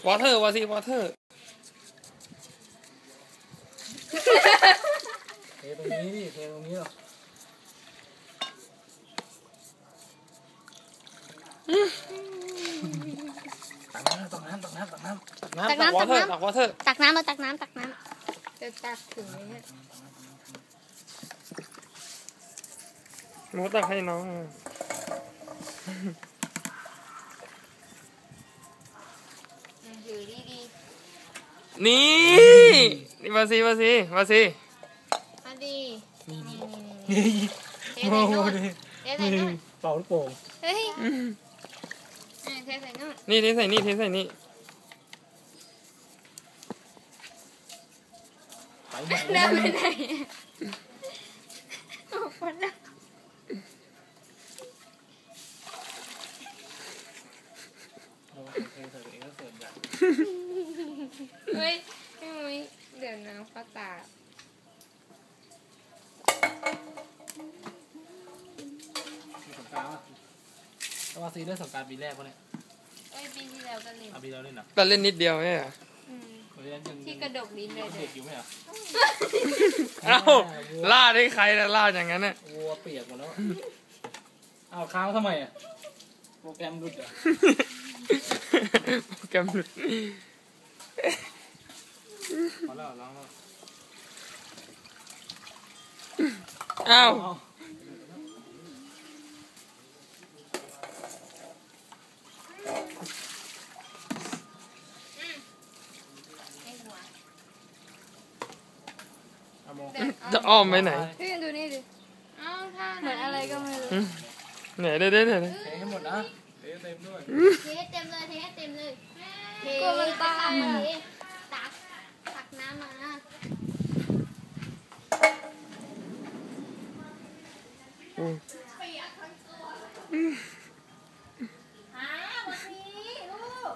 วอเตอร์วาซีวอเตอร์เทตรงนี้ดิเทตรงนี้หรอตักน้ำตักน้ำตักน้ำตักน้ำตักวอเตอร์ตักวอเตอร์ตักน้ำมาตักน้ำตักน้ำจะตักถึงไหมเนี่ยหนูตักให้น้องถือดีนี่วาซีมาดีนี่โอ้โหเทใส่นู่นเป่าลูกโป่งเฮ้ยเทใส่นู่นนี่เทใส่นี่เทใส่นี่เดินไปไหนออกมาแล้วเฮ้ยพี่มุ้ยเดี๋ยวน้ำเข้าตาสงการป่ะว่าซีเล่นสงการปีแรกป่ะเนี่ยปีที่แล้วก็เล่นปีแล้วเล่นเหรอก็เล่นนิดเดียวเนี่ยที่กระดกลิ้นเลยเด็กอยู่ไหมอ่ะเอ้าล่าได้ใครนะล่าอย่างนั้นน่ะวัวเปียกหมดแล้วเอาค้างทำไมอ่ะโปรแกรมหลุดอ่ะโปรแกรมหลุดพอแล้วล้างแล้วอ้าวจะอ้อมไปไหนพี่ดูนี่ดิเหมือนอะไรก็ไม่รู้ไหนเด้เทให้หมดนะเทเต็มด้วยเทเต็มเลยเทเต็มเลยเทตักน้ำมาวันนี้ลูก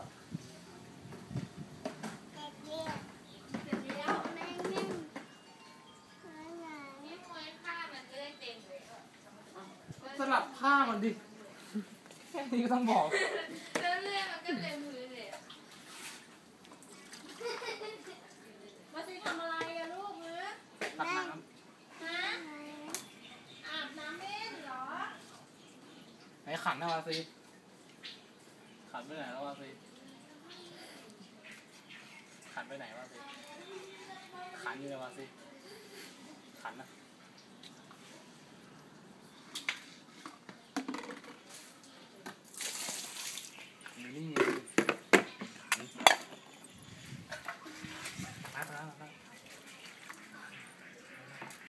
สลับผ้ามันดิแค่นี้ก็ต้องบอกเรื่อยๆมันก็เต็มพื้นเลยมาสิทำอะไรอะลูกมือตักน้ำอาบน้ำเล่นเหรอไหนขันนะวาซีขันไปไหนแล้ววาซีขันไปไหนวาซีขันอยู่ไหนวาซีขันนะ